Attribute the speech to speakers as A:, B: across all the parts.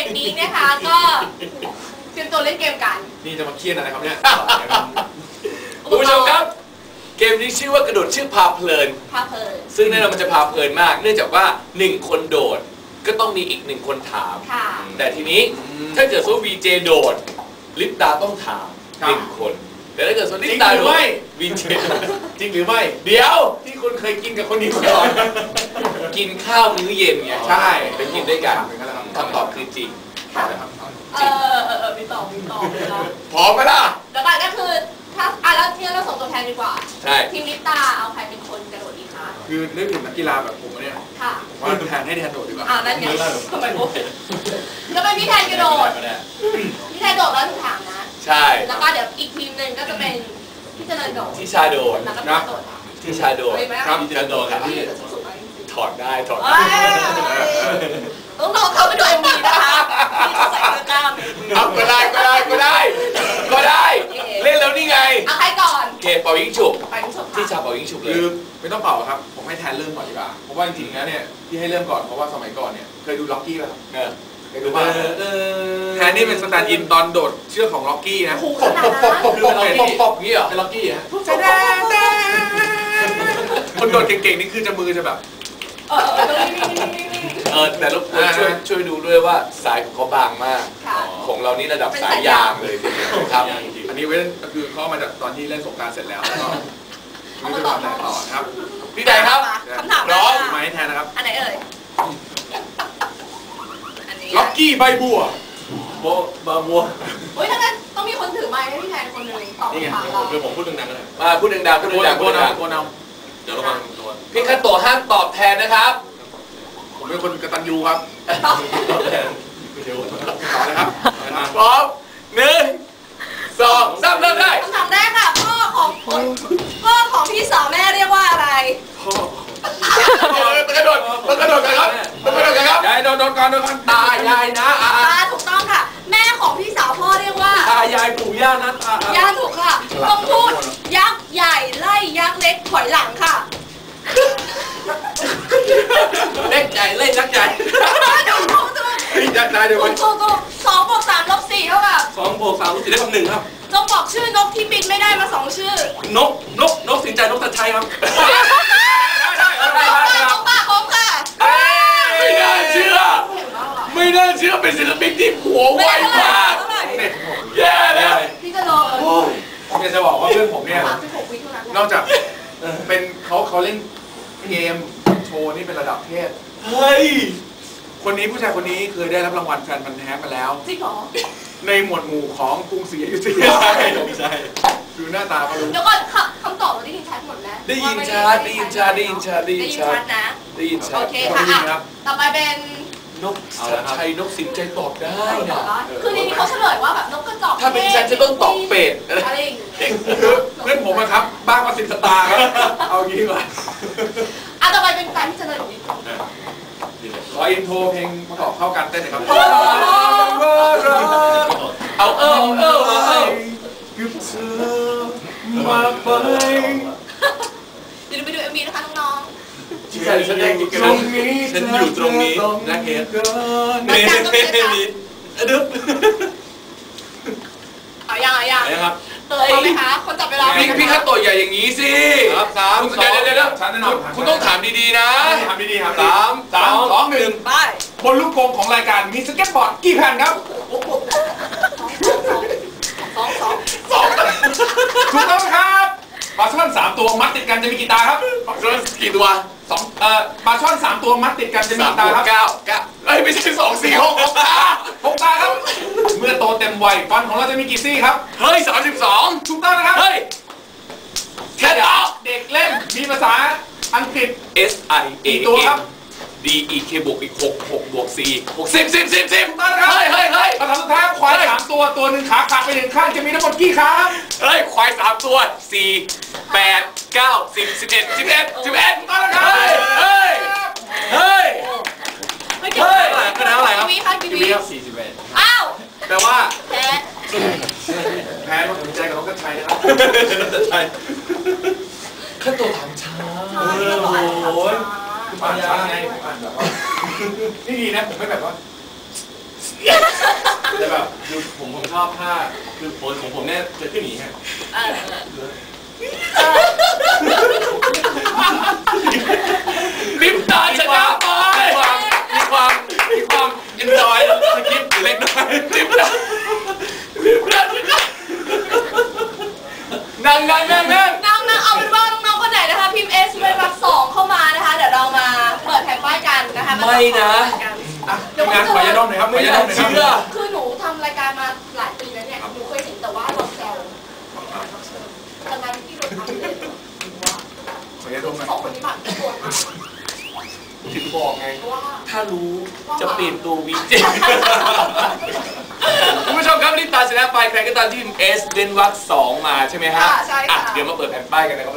A: กนี้นะคะก็เตรียมตัวเล่นเกมกัน
B: นี่จะมาเครียดอะไรครับเนี่ย
C: คุณผู้ชมครับเกมนี้ชื่อว่ากระโดดชื่อพาเพลินซึ่งแน่นอนมันจะพาเพลินมากเนื่องจากว่า1คนโดดก็ต้องมีอีก1คนถามแต่ทีนี้ถ้าเกิดว่า VJ โดดลิปตาต้องถาม1คนแต่ถ้าเกิดว่าลิปตาโดด VJ
B: จริงหรือไม่
C: เดี๋ยว
B: ที่คุณเคยกินกับคนนี้มาก่อน
C: กินข้าวมื้อเย็นไง
B: ใช่
C: ไปกินด้วยกันคำตอบคือจริง
A: มีตอบ
C: พร้อมไหมล่ะ
A: แล้วก็คือถ้าแล้วที่เราส่งตัวแทนดีกว่า
C: ใช่
A: ทีมลิปตาเอาใครเป็นคนกระโดดดีคะ
B: คือนึกถึงนักกีฬาแบบผมเนี่ยว่าแทนให้แทนโดดดีกว่า
A: นั่นไงทำไมโมก็เป็นพี่แทนกระโดดพี่แทนโดดแล้วถูกถามนะ
C: ใช่
A: แล้วก็เดี๋ยวอีกทีมหนึ่งก็จะเป็นพี่เจริญโดด
C: ที่ชาโดด
A: นะ
C: ที่ชาโดด
A: ครับ
C: ที่ชาโดดครับถอดได้
A: ต้องลองเข้าไปดูMVนะคะที่ใส่เสื้อกล้าม
C: ก็ได้เล่นแล้วนี่ไง
A: เอาใครก่อน
C: เกมเป่ายิงฉุบที่ชาเป่ายิงฉุบเลย
B: คือไม่ต้องเป่าครับผมให้แทนเริ่มก่อนดีกว่าเพราะว่าจริงๆนะเนี่ยที่ให้เริ่มก่อนเพราะว่าสมัยก่อนเนี่ยเคยดูล็อกกี้ป่ะครับเคยดูป่ะแทนนี่เป็นสแตนด์อินตอนโดดเชือกของล็อกกี้นะ
C: ปบนี่เหรอ
B: เป็นล็อกกี้ฮะคนโดดเก่งๆนี่คือจะมือจะแบบ
C: แต่รบกวนช่วยดูด้วยว่าสายของเขาบางมากของเรานี่ระดับสายยางเลยครับ
B: อันนี้เว้นก็คือเขามาจากตอนที่เล่นสงกรานต์เสร็จแล้วก็ไม่ได้ทำอะไรต่อครับ
C: พี่ใดครับ
A: คำถาม
C: ร้อง
B: มาให้แทนนะครับ
A: อันไหนเอ่ย
B: ล็อกกี้ใบบัว
C: บัว
A: เฮ้ยถ้างั้นต้องมีคนถือไม้ให้พี่แทนคนหนึ่งตอบคำถามเรา
B: คือผมพูดดังๆก็ได้
C: พูดดังๆโกน
B: เดี๋ยวระวังตัว
C: พี่คัตโตห้ามตอบแทนนะครับ
B: ผมเป็นคนกตัญญูครับต่อเลยครับ
C: พร้อม1 2 3เริ่มได้
A: คำถามแรกค่ะพ่อของพี่สาวแม่เรียกว่าอะไร
C: ต้องกระโดดกันครับ
B: ยายโดนก่อน
C: ตายายนะ
A: ถูกต้องค่ะแม่ของพี่สาวพ่อเรียกว่า
C: ตายายปู่ย่านะ
A: ย่าถูกค่ะต้องพูดยักษ์ใหญ่ไล่ยักษ์เล็กถอยหลังค่ะ
C: เล็กใหญ่เล่นยักษ์ใหญ่ยักษ์ใหญ่เดี๋ยวไป
A: 2 บวก 3 ลบ 4เท่ากับ
C: 2 บวก 3 ลบ 4ได้คำ1ครับ
A: จงบอกชื่อนกที่บินไม่ได้มา2 ชื่
C: อนกสินใจนกตะชัยครับ
A: นกป่าคมค่ะ
C: ไม่น่าเชื่อเป็นศิลปินที่หัวไวมากแย่เลย
A: พี่จะรอ
B: ผมจะบอกว่าเพื่อนผมเนี่ยนอกจากเป็นเขาเล่นเกมโชว์นี่เป็นระดับเทพ
C: เฮ้ย
B: ผู้ชายคนนี้เคยได้รับรางวัลแฟนพันธุ์แท้มาแล้ว
A: จริงเหรอ
B: ในหมวดหมู่ของกรุงศรีอยุธยาใช่ดูหน้าตาเขารู้
A: เดี๋ยวก่อนคำตอบเราได้ยินชัดหมดแล้ว
C: ได้ยินชัด
A: นะ
C: ได้ยินชัด
A: โอเคค่ะต่อไปเป็น
C: นกชัยนกสินใจตอบได้
A: นะคือในนี้เขาเฉลยว่าแบบนกกระจอก
C: ถ้าเป็นฉันจะต้องตอบเป็ด
A: อะไรอย่างเงี้ย
B: เพื่อนผมนะครับบ้างมา10 สตาร์ครับเอางี้ก่อน
A: ต่อไปเป็นการที่เฉลยของนิด
B: ขออินโทรเพลงประกอบเข้ากันเต้นหน่อยครับ
C: เอา
B: คือเธอมาไป
A: เดี๋ยวไปดูMVนะคะน้อง
C: ฉันอยู่ตรงนี้นะเฮดมีดึ๊บ
A: เอายัง
C: ครับ
A: เตยไหมคะคนจับเวลา
C: พี่คัตโตใหญ่อย่างนี้สิ
B: ครับ3 2
C: เดี๋ยวคุณต้องถามดีๆนะ
B: ถามดีๆครับ
C: 3 2
A: 1ไป
B: บนลูกกรงของรายการมีสเก็ตบอร์ดกี่แผ่นครับ2ถูกต้องครับปลาช่อน3 ตัวมัดติดกันจะมีกี่ตาครับ
C: ปลาช่อนกี่ตัว
B: ปลาช่อน3 ตัวมัดติดกันจะมีกี่ตาครับ
C: 9ไม่ใช่2 4 6
B: ตาครับเมื่อโตเต็มวัยฟันของเราจะมีกี่ซี่ครับ
C: เฮ้ย32
B: ถูกต้องนะครับ
C: เฮ้ยแค่
B: เด็กเล่นมีภาษาอังกฤษ
C: SIA
B: ตัวครับ
C: DEK บวกอีก6 บวก 4 10
B: เฮ้ยภาษาสุดท้ายควาย3 ตัว1ขาขาดไป1ข้างจะมีทั้งหมดกี่ขา
C: เฮ้ยควาย3 ตัว4 8 9 10 11
B: ต้องนะครับ
C: เฮ้ยคะแนนเท่าไหร่ครับ
A: 41อ้าว
B: แปลว่า
A: แพ้
B: ต้องสนใจกับน้องกัญชัยนะครับ
C: ขั้นตัวถามช้า
B: โอ้ยคือปานช้าไงผมอ่านแบบว่านี่ดีนะผมไม่แบบว่า
D: แต่แบบคือผมชอบท่าคือโพสของผมเนี่ยจะขึ้นอย่างนี้ฮะ
C: ลิปตาชนะไปมีความเอนจอยสกิปเล็กน้อยลิปตานั่ง
A: เอาเป็นว่าน้องๆคนไหนนะคะพิมพ์ S เป็นรัก2เข้ามานะคะเดี๋ยวเรามาเปิดแผ่นป้ายกันนะคะ
C: ไม่นะ
B: งานขอยาดมหน่อยครับไม่อยากเชื่อ
A: คือหนูทำรายการมาหลายปีแล้วเนี่ยหนูเคยเห็นแต่ว่าเราแซวแต่งานที่เราทำเลย
B: ขอยาดมหน่อย
A: 2 คนนี้ผ่านทุกคน
C: ถึงบอกไงถ้ารู้จะเปลี่ยนตัววีเจคุณผู้ชมครับรีบตาชนะไปใครก็ตามที่พิมพ์ S เว้นวรรค2มาใช่ไหมฮะ
A: ใช่ค่ะ
C: เดี๋ยวมาเปิดแผ่นป้ายกันนะครับ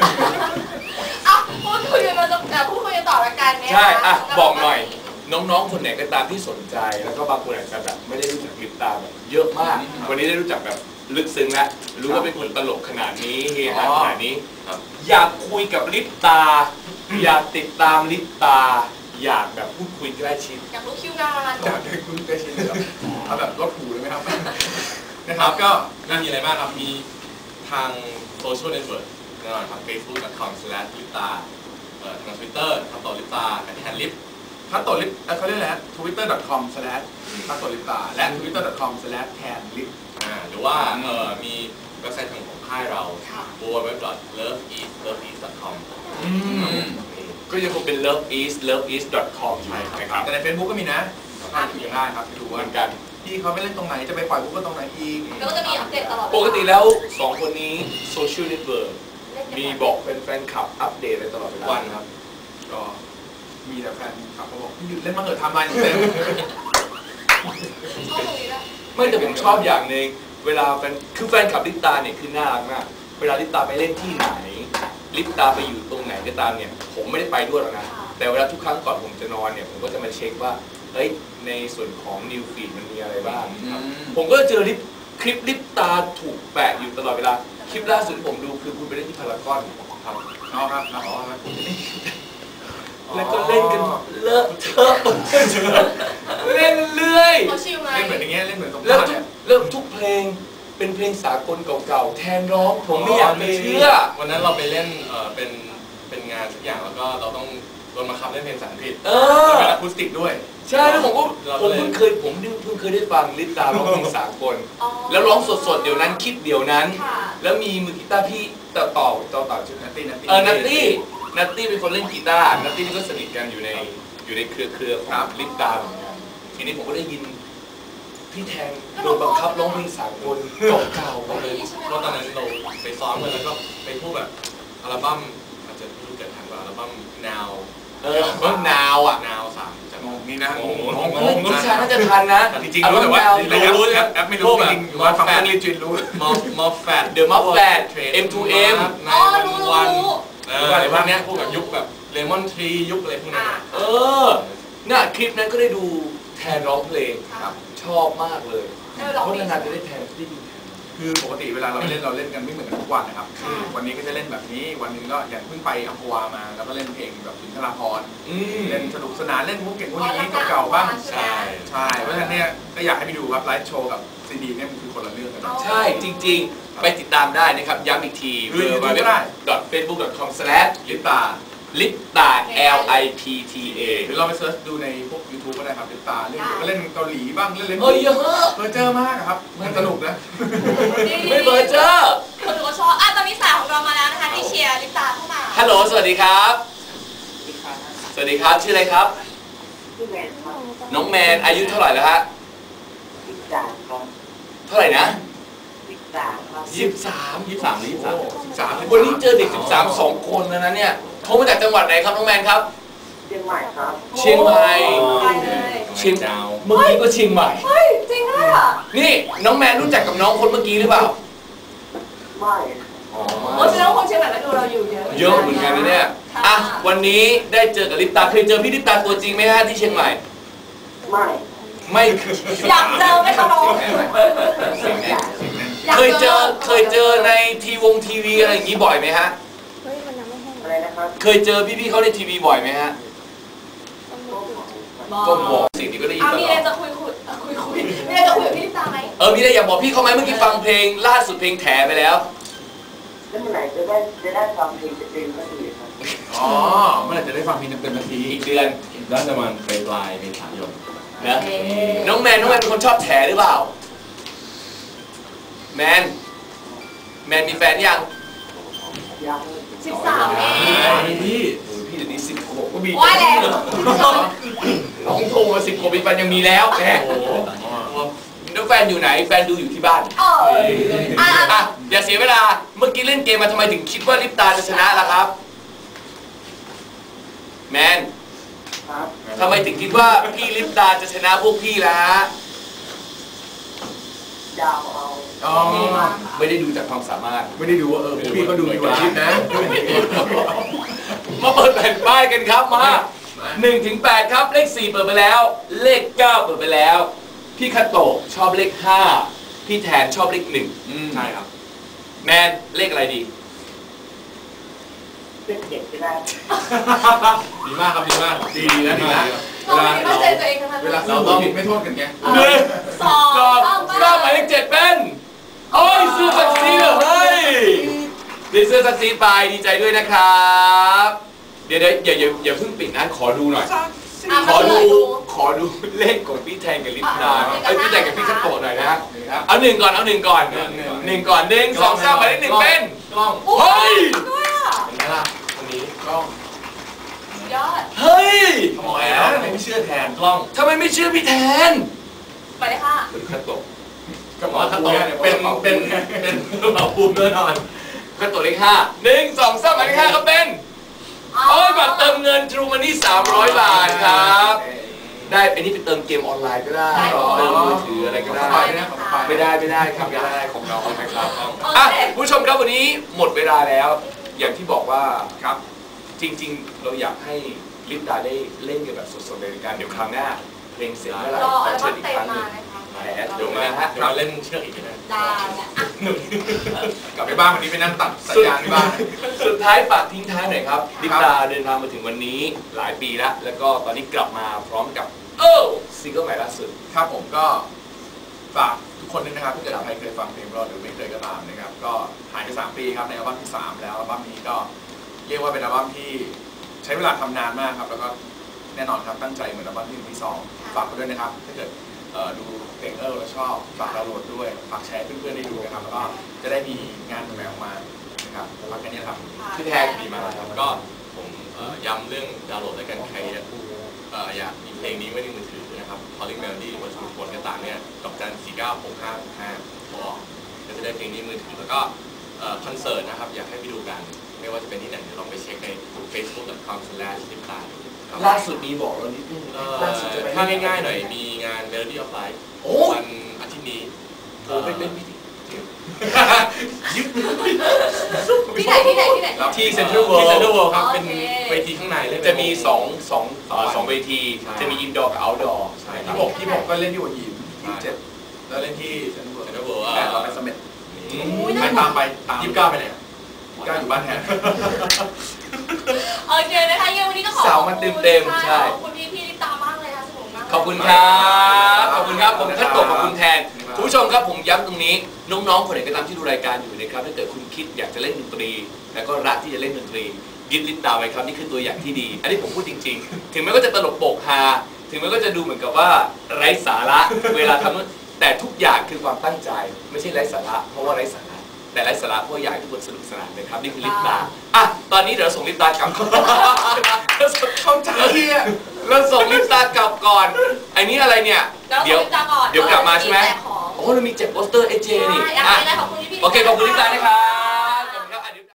A: พูดคุยกันต่อละกันเนี่ย
C: ใช่บอกหน่อยน้องๆคนไหนก็ตามที่สนใจแล้วก็บางคนอาจจะแบบไม่ได้รู้จักลิปตาแบบเยอะมากวันนี้ได้รู้จักแบบลึกซึ้งแล้วรู้ว่าเป็นคนตลกขนาดนี้เฮฮาขนาดนี้อยากคุยกับลิปตาอยากติดตามลิปตาอยากแบบพูดคุยใกล้ชิด
A: อยากรู้คิวงาน
B: อยากได้คุยใกล้ชิดเลยเอาแบบรถหูเลยไหมครับนะครับก็
D: มีอะไรบ้างครับมีทางโซเชียลเน็ตเวิร์กแน่นอนครับ facebook.com/lipta ทาง Twitter ทำต่อลิปตาที่แฮนด์ลิป
B: พัตโตลิปเขาเรียกอะไร twitter.com/ พัตโตลิปตาและ twitter.com/ แทนลิป
D: หรือว่ามีเว็บไซต์ของค่ายเรา www.loveeast.com
C: ก็ยังคงเป็น loveeast.com
B: ใช่ครับแต่ใน Facebook ก็มีนะก็คุยกันได้ครับดูเหมือนกันที่เขาไม่เล่นตรงไหนจะไปปล่อยปุ๊บก็ตรงไหนอีก
A: แล้วก็จะมีอัปเดตตลอด
C: ปกติแล้ว2คนนี้โซเชียลเน็ตเวิร์กมีบอกเป็นแฟนคลับอัปเดตอะไรตลอดทุกวันครับ
B: ก็มีแต่แฟนคลับเขาบอกหยุดเล่นมาเถอะทำไมเต็ม
C: ไม่แต่ผมชอบอย่างหนึ่งเวลาแฟนคลับลิปตาเนี่ยคือน่ารักมากเวลาลิปตาไปเล่นที่ไหนลิปตาไปอยู่ตรงไหนก็ตามเนี่ยผมไม่ได้ไปด้วยหรอกนะแต่เวลาทุกครั้งก่อนผมจะนอนเนี่ยผมก็จะมาเช็คว่าเฮ้ยในส่วนของนิวฟีดมันมีอะไรบ้างผมก็เจอคลิปลิปตาถูกแปะอยู่ตลอดเวลาคลิปล่าสุดผมดูคือคุณไปเล่นที่พารากอน
B: ครับครับ
C: แล้วก็เล่นกันเลอะเทอะเล่นเรื่อย
B: เล่นเหมือนอย่างเงี้ยเล่นเหมือนตรง
C: แล้วทุกเพลงเป็นเพลงสากลเก่าๆแทนร้องผมไม่อยากเชื่อ
D: วันนั้นเราไปเล่นเป็นงานสักอย่างแล้วก็เราต้องโดนมาคับเล่นเพลงภาษาอังกฤษ
B: เป็นอะคูสติกด้วย
C: ใช่แล้วผมเพิ่งเคยได้ฟังลิปตาร้องเพลงสากลแล้วร้องสดๆเดี๋ยวนั้นคิดเดี๋ยวนั้นแล้วมีมือกีตาร์พี่ต่อชื่อนัตตี้นัตตี้เป็นคนเล่นกีตาร์นัตตี้นี่ก็สนิทกันอยู่ในเครือของลิปตาทีนี้ผมก็ได้ยินพี่แทนโดนบังคับร้องเพลงสากลเก่าๆเลย
D: เพราะตอนนั้นเราไปซ้อมกันแล้วก็ไปพูดแบบอัลบั้มอาจจะไม่รู้เกิดทันว่าอัลบั้ม Now
C: Now
D: 3
B: นี่นะ
C: ผู้ชายน่าจะทันนะ
B: จริงๆรู้แต่ว่ารู้แอปไม่รู้จริงว่าฟังลิจินรู้
D: มอฟแฟด
C: เดอะมอฟแฟด M2M
A: รู้
D: อะไรพวกนี้พวกแบบยุคแบบเลมอนทรียุคอะไรพวกนี้
C: น่ะคลิปนั้นก็ได้ดูแทนร้องเพลงชอบมากเลยเพราะนานๆจะได้แทนได้ดู
B: คือปกติเวลาเราเล่นกันไม่เหมือนกันทุกวันนะครับวันนี้ก็จะเล่นแบบนี้วันนึงก็อย่างเพิ่งไปอัมพวามาแล้วก็เล่นเพลงแบบสุนทรภรณ์เล่นสนุกสนานเล่นมุกเก่งมุกนี้เก่าๆบ้างใช่เพราะฉะนั้นเนี่ยก็อยากให้ไปดูครับไลฟ์โชว์กับซีดีเนี่ยมันคือคนละเรื่องกัน
C: ใช่จริงๆไปติดตามได้นะครับย้ำอีกที
B: www.facebook.com/lipta
C: ลิปตา LIPTA
B: หรือเราไปเซิร์ชดูในพวก YouTube ก็ได้ครับลิปตาเล่นก็เล่นเกาหลีบ้างเล่น
C: เยอะ
B: เจอมากครับมันสนุกนะ
C: ไม่เบอร์เจอ
A: คนดูก็ชอบตอนนี้สายของเรามาแล้วนะคะที่เชียร์ลิปตาเข้ามา
C: ฮัลโหลสวัสดีครับสวัสดีครับชื่ออะไรครับน้องแมนอายุเท่าไหร่แล้วฮะเท่าไหร่นะ23วันนี้เจอเด็ก13 2 คนแล้วนะเนี่ยโทรมาจากจังหวัดไหนครับน้องแมนครับ
E: เชียงใหม่ครับ
C: เชียงใหม่เมื่อกี้ก็เชียงใหม่
A: เฮ้ยจริงด้วยอ่ะ
C: นี่น้องแมนรู้จักกับน้องคนเมื่อกี้หรือเปล่า
E: ไม่
A: แสดงว่าคนเชียงใหม่ก็ดูเราอยู่
C: เยอะเหมือนกันนะเนี่ยวันนี้ได้เจอกับลิปตาเคยเจอพี่ลิปตาตัวจริงไหมฮะที่เชียงใหม่
E: ไม่
A: อยากเจอไหมคะน้อง
C: เคยเจอในทีวีอะไรอย่างนี้บ่อยไหมฮะ
E: อะไรนะครับ
C: เคยเจอพี่ๆเขาในทีวีบ่อยไหมฮะก็บอกสิ่งที่ก็ได้ยินตลอด
A: มีอะไรจะคุย
C: มีอะไรอยากบอกพี่เขาไหมเมื่อกี้ฟังเพลงล่าสุดเพลงแถไปแล้ว
E: แล้วเมื่อไหร่จะได้ฟังเพลงเต็มๆก็ดีครับ
B: อ๋อเมื่อไหร่จะได้ฟังเพลงเต็มนาที
C: อีกเดือน
D: น่าจะมันปลายเมษายน
C: นะน้องแมนเป็นคนชอบแถหรือเปล่าแมนมีแฟนยัง
E: ยัง
A: 13เอง
B: พี่
C: พี่เดี๋ยวนี้16ก็มี
A: ว่าแล้ว
C: น้องโทรมา16มีแฟนยังมีแล้วแหม
D: โอ้โห
C: แล้วแฟนอยู่ไหนแฟนดูอยู่ที่บ้าน
A: อ่ะ
C: อ่ะอย่าเสียเวลาเมื่อกี้เล่นเกมมาทำไมถึงคิดว่าลิปตาจะชนะล่ะครับแมน
E: ครับ
C: ทำไมถึงคิดว่าพี่ลิปตาจะชนะพวกพี่ล่ะ
E: ดาวเอา
B: อ๋อ
C: ไม่ได้ดูจากความสามารถ
B: ไม่ได้ดูว่าพี่ก็ดูมีวันคิดนะ
C: มาเปิดแผ่นป้ายกันครับมา1 ถึง 8ครับเลข4เปิดไปแล้วเลข9เปิดไปแล้วพี่คัตโตะชอบเลข5พี่แทนชอบเลข1
B: ใช่ครับ
C: แมนเลขอะไรดี
E: เป็นเด็กจะได้
D: ดีมากครับดีมาก
B: ดีนะดีนะ
A: เราไม่ได้เข้าใจตัวเองทั้งนั้น
B: เวลาเราผิดไม่โทษกันไง
A: สอง
C: หมายเลข7เป็นโอ้ยซื้อซักซีเหรอเฮ้ยได้เสื้อซักซีไปดีใจด้วยนะครับเดี๋ยวอย่าเพิ่งปิดนะขอดูหน่อย ขอดูเลขของพี่แทนกับลิปดาพี่แทนกับพี่คัตโตะหน่อยนะเอา1 ก่อน1 ก่อน1 ก่อน1 2 3หมายเลข1เป็น
D: กล้อง
C: เฮ้ย
D: เห็นไหมล่ะวันนี้กล้อง
A: ยอด
C: เฮ้ย
B: ทำไมนะไม่เชื่อแทน
D: กล้อง
C: ทำไมไม่เชื่อพี่แทน
A: ไปเลยค่ะ
C: คัตโตะ
B: ก็
D: อ๋อถ้าโตเป็นเป่าภูมิแน่นอน
C: คัตโตะเลข5 1 2 3หมายเลข5ก็เป็นโอ้ยบัตรเติมเงิน True Money 300 บาทครับได้อันนี้ไปเติมเกมออนไลน์ก็ได้เติมมือถืออะไรก็ได้ไม่ได้ครับไม่ได้ของเราครับอ่ะผู้ชมครับวันนี้หมดเวลาแล้ว อย่างที่บอกว่าครับจริงๆเราอยากให้ลิปดาได้เล่นกันแบบสดๆในรายการเดี๋ยวครั้งหน้าเพลงเสร็จเมื่อไหร่
A: รอ
C: ขอ
A: อัล
C: เชิ
A: บั้
C: ญ
A: ม
C: อีก
A: เต็
C: ค
A: ม
C: รั้งห
A: มา
C: นึ่ง
A: นะคะ
C: เดี๋ยวมาฮะ
D: เราเล่นเชือกอีกนะ
A: ได้แล้ว
B: กลับไปบ้านวันนี้ไปนั่งตัดสัญญาณที่บ้าน
C: สุดท้ายฝากทิ้งท้ายหน่อยครับลิปดาเดินทางมาถึงวันนี้หลายปีแล้วแล้วก็ตอนนี้กลับมาพร้อมกับซิงเกิลใหม่ล่าสุด
B: ครับผมก็ฝากทุกคนด้วยนะครับถ้าเกิดใครเคยฟังเพลงเราหรือไม่เคยก็ตามนะครับก็หายไป3 ปีครับในอัลบั้มที่3แล้วอัลบั้มนี้ก็เรียกว่าเป็นอัลบั้มที่ใช้เวลาทำนานมากครับแล้วก็แน่นอนครับตั้งใจเหมือนอัลบั้มที่1 ที่ 2ฝากไปด้วยนะครับถ้าเกิดดูเพลงแล้วชอบฝากดาวน์โหลดด้วยฝากแชร์ให้เพื่อนๆได้ดูนะครับแล้วก็จะได้มีงานใหม่ออกมานะครับฝากกันนี้ครับ
C: พี่แทน
D: ดีมากครับก็ผมย้ำเรื่องดาวน์โหลดและกันใครอยากมีเพลงนี้ไว้ในมือถือนะครับ Calling Melody หรือว่าชุมพลก็ตามเนี่ยดอกจัน 496565บอกก็จะได้เพลงนี้มือถือแล้วก็คอนเสิร์ตนะครับอยากให้ไปดูกันไม่ว่าจะเป็นที่ไหนเดี๋ยวลองไปเช็คใน facebook.com/lipta
C: ล่าสุดมีบอกเรานิดนึง
D: ถ้าง่ายๆหน่อยมีงาน Melody of Life วันอาทิตย์นี้
C: โอ้เป็นพิธี
A: ที่ไหน
D: ที่เซ็นทรัลเวิลด์ครับเป็นเวทีข้างในเล่น
C: จะมี2เวทีจะมีอินดอร์กับเอาท์ดอร์
D: ใช่
B: 26ก็เล่นที่หัวหิน27แล้วเล่นที่เซ็นทรัลเวิล
D: เซ็น
B: ด์
D: ทรัลเวิลด์
B: แต่เราไปเสม็ด
A: น่า
B: ตามไปตาม
D: 29ไปไหน
B: ก้าอยู่บ้านแทน
A: โอเคนะคะยังวันนี้ก็ขอ
C: สาวมันเต็มๆใช่
A: ขอบคุณพี่ลิปตามากเลยค่ะสนุกมาก
C: ขอบคุณครับขอบคุณครับผมคัตโตะขอบคุณแทนคุณผู้ชมครับผมย้ำตรงนี้น้องๆคนไหนก็ตามที่ดูรายการอยู่นะครับถ้าเกิดคุณคิดอยากจะเล่นดนตรี แล้วก็รักที่จะเล่นดนตรียึดลิปตาไว้ครับนี่คือตัวอย่างที่ดี อันนี้ผมพูดจริงๆ ถึงแม้ว่าจะตลกโปกฮาถึงแม้ว่าจะดูเหมือนกับว่าไร้สาระเวลาทำแต่ทุกอย่างคือความตั้งใจไม่ใช่ไร้สาระเพราะว่าไร้สาระแต่ไร้สาระเพราะอยากให้ทุกคนสนุกสนานนะครับนี่คือลิปตาอ่ะตอนนี้เดี๋ยวเราส่งลิปตากลับเข้าใจเราส่งลิปตากลับก่อนไอ้นี่อะไรเนี่ยเดี๋ยวกลับมาใช่ไหมโอ้เรามีแจกโปสเตอร์เอเจนี่
A: อยากให้ได้ขอบคุณพี่
C: โอเคขอบคุณลิปตานะครับ